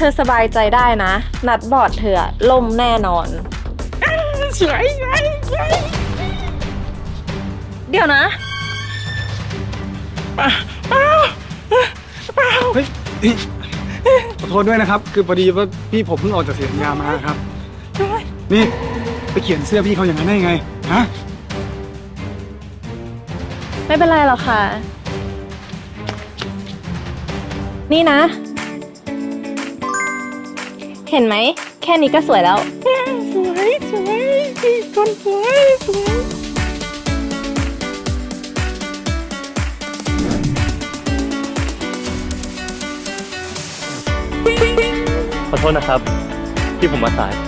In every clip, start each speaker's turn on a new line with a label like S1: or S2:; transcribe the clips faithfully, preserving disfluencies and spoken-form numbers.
S1: ธอสบายใจได้นะ นัดบอร์ดเธอล่มแน่นอนสวยสวยสวยเดี๋ยวนะ
S2: เปล่าเปล่าเปล่าเฮ้ยขอโทษด้วยนะครับ คือพอดีว่าพี่ผมเพิ่งออกจากเสียงยามาครับนี่ไปเขียนเสื้อพี่เขาอย่างนั้นได้ยังไงฮะ
S1: ไม่เป็นไรหรอกค่ะ นี่นะ เห็นไหม แค่นี้ก็สวยแล้ว สวยสวยคนสวยสวย
S3: ขอโทษนะครับที่ผมมาสาย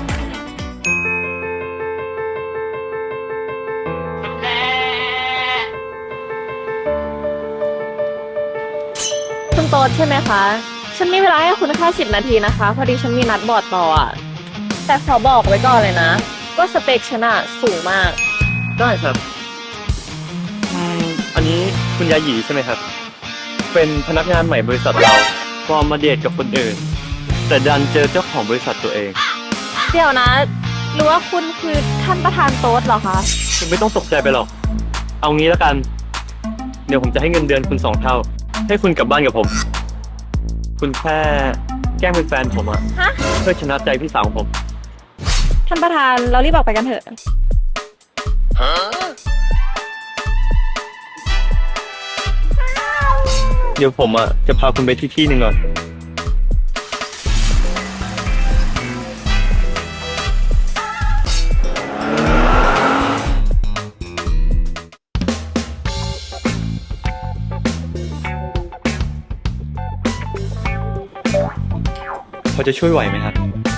S1: คุณโต๊ดใช่ไหมคะ ฉันมีเวลาให้คุณแค่สิบนาทีนะคะ พอดีฉันมีนัดบอร์ดต่ออ่ะ แต่ขอบอกไว้ก่อนเลยนะว่าสเปคฉันอะสูงมาก
S3: ได้ครับอืมอันนี้คุณยาหยีใช่ไหมครับเป็นพนักงานใหม่บริษัทเราพอมาเดทกับคนอื่นแต่ดันเจอเจ้าของบริษัทตัวเอง
S1: เดี๋ยวนะหรือว่าคุณคือท่านประธานโต๊ดเหรอคะ
S3: คุณไม่ต้องตกใจไปหรอกเอางี้แล้วกันเดี๋ยวผมจะให้เงินเดือนคุณสองเท่าให้คุณกลับบ้านกับผม คุณแค่แกล้งเป็นแฟนผมอะ
S1: ฮะ
S3: เพื่อชนะใจพี่สาวของผม
S1: ท่านประธานเรารีบออกไปกันเถอะ
S3: เดี๋ยวผมอะจะพาคุณไปที่ที่หนึ่งก่อนพอจะช่วยไหวไหมครับ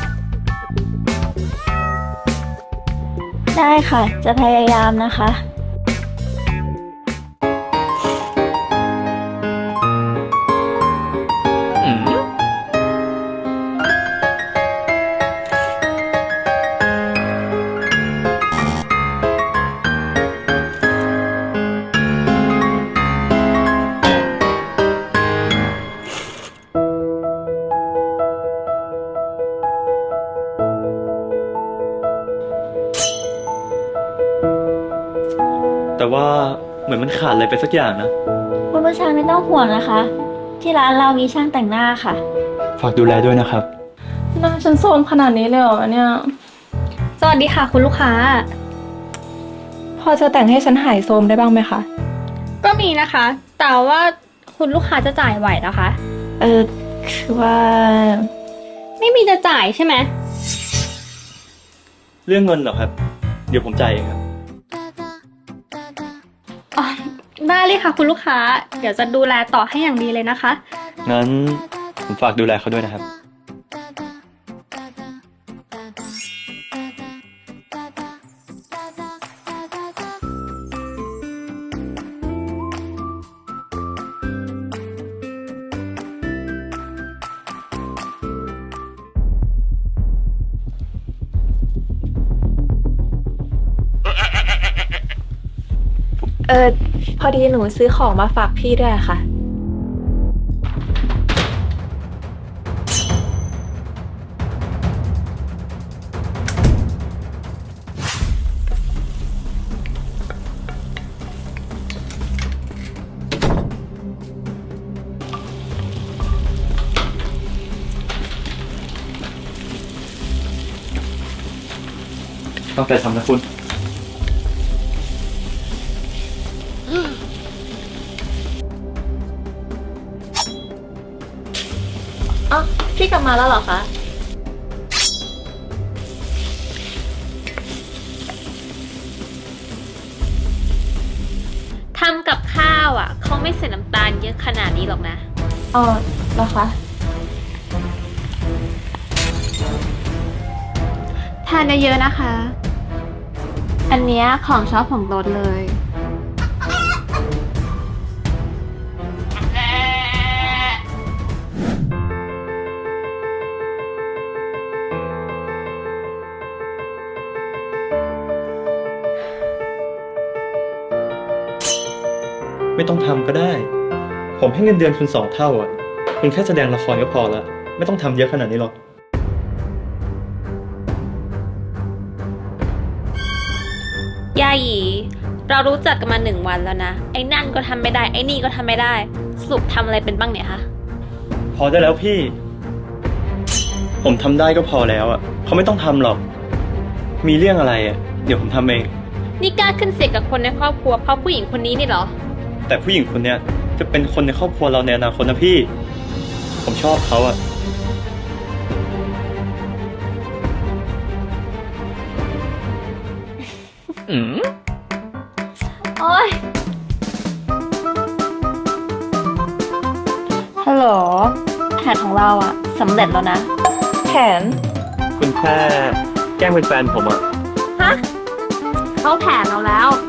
S4: ได้ค่ะ จะพยายามนะคะ
S3: อืมแต่ว่าเหมือนมันขาดอะไรไปสักอย่างนะ
S4: คุณผู้ชายไม่ต้องห่วงนะคะ ที่ร้านเรามีช่างแต่งหน้าค่ะ
S3: ฝากดูแลด้วยนะครับ
S1: หน้าฉันโซมขนาดนี้เลยเหรอเนี่ย
S4: สวัสดีค่ะคุณลูกค้า
S1: พอจะแต่งให้ฉันหายโซมได้บ้างไหมคะ
S5: ก็มีนะคะ แต่ว่าคุณลูกค้าจะจ่ายไหวนะคะ
S4: เออคือว่า
S5: ไม่มีจะจ่ายใช่ไหม
S3: เรื่องเงินเหรอครับ เดี๋ยวผมจ่ายเองครับ
S5: อ๋อ ได้เลยค่ะคุณลูกค้า เดี๋ยวจะดูแลต่อให้อย่างดีเลยนะคะ
S3: งั้นผมฝากดูแลเขาด้วยนะครับ
S1: เออพอดีหนูซื้อของมาฝากพี่ด้วยค่ะ
S3: ต้องแต่ทำนะคุณ
S1: อ๋อ พี่กลับมาแล้วเหรอคะ
S5: ทำกับข้าวอ่ะเขาไม่ใส่น้ำตาลเยอะขนาดนี้หรอกนะ
S1: อ๋อเหรอคะ
S5: ทานเยอะๆนะคะ อันเนี้ยของชอบของโต๊ดเลย
S3: ไม่ต้องทำก็ได้ ผมให้เงินเดือนคุณสองเท่าอ่ะ คุณแค่แสดงละครก็พอละไม่ต้องทำเยอะขนาดนี้หรอก
S6: ยาหยีเรารู้จักกันมาหนึ่งวันแล้วนะ ไอ้นั่นก็ทำไม่ได้ ไอ้นี่ก็ทำไม่ได้ สรุปทำอะไรเป็นบ้างเนี่ยคะ
S3: พอได้แล้วพี่ ผมทำได้ก็พอแล้วอ่ะเขาไม่ต้องทำหรอก มีเรื่องอะไรอ่ะ เดี๋ยวผมทำเอง
S6: นี่กล้าขึ้นเสียงกับคนในครอบครัวเพราะผู้หญิงคนนี้นี่เหรอ
S3: แต่ผู้หญิงคนเนี้ยจะเป็นคนในครอบครัวเราในอนาคตนะพี่ ผมชอบเขาอ่ะ อืม
S6: โอ๊ย
S4: ฮัลโหล แผนของเราอะสำเร็จแล้วนะ
S1: แผน
S3: คุณแค่แกล้งเป็นแฟนผมอ่ะ
S5: ฮะ เขาแผนเราแล้ว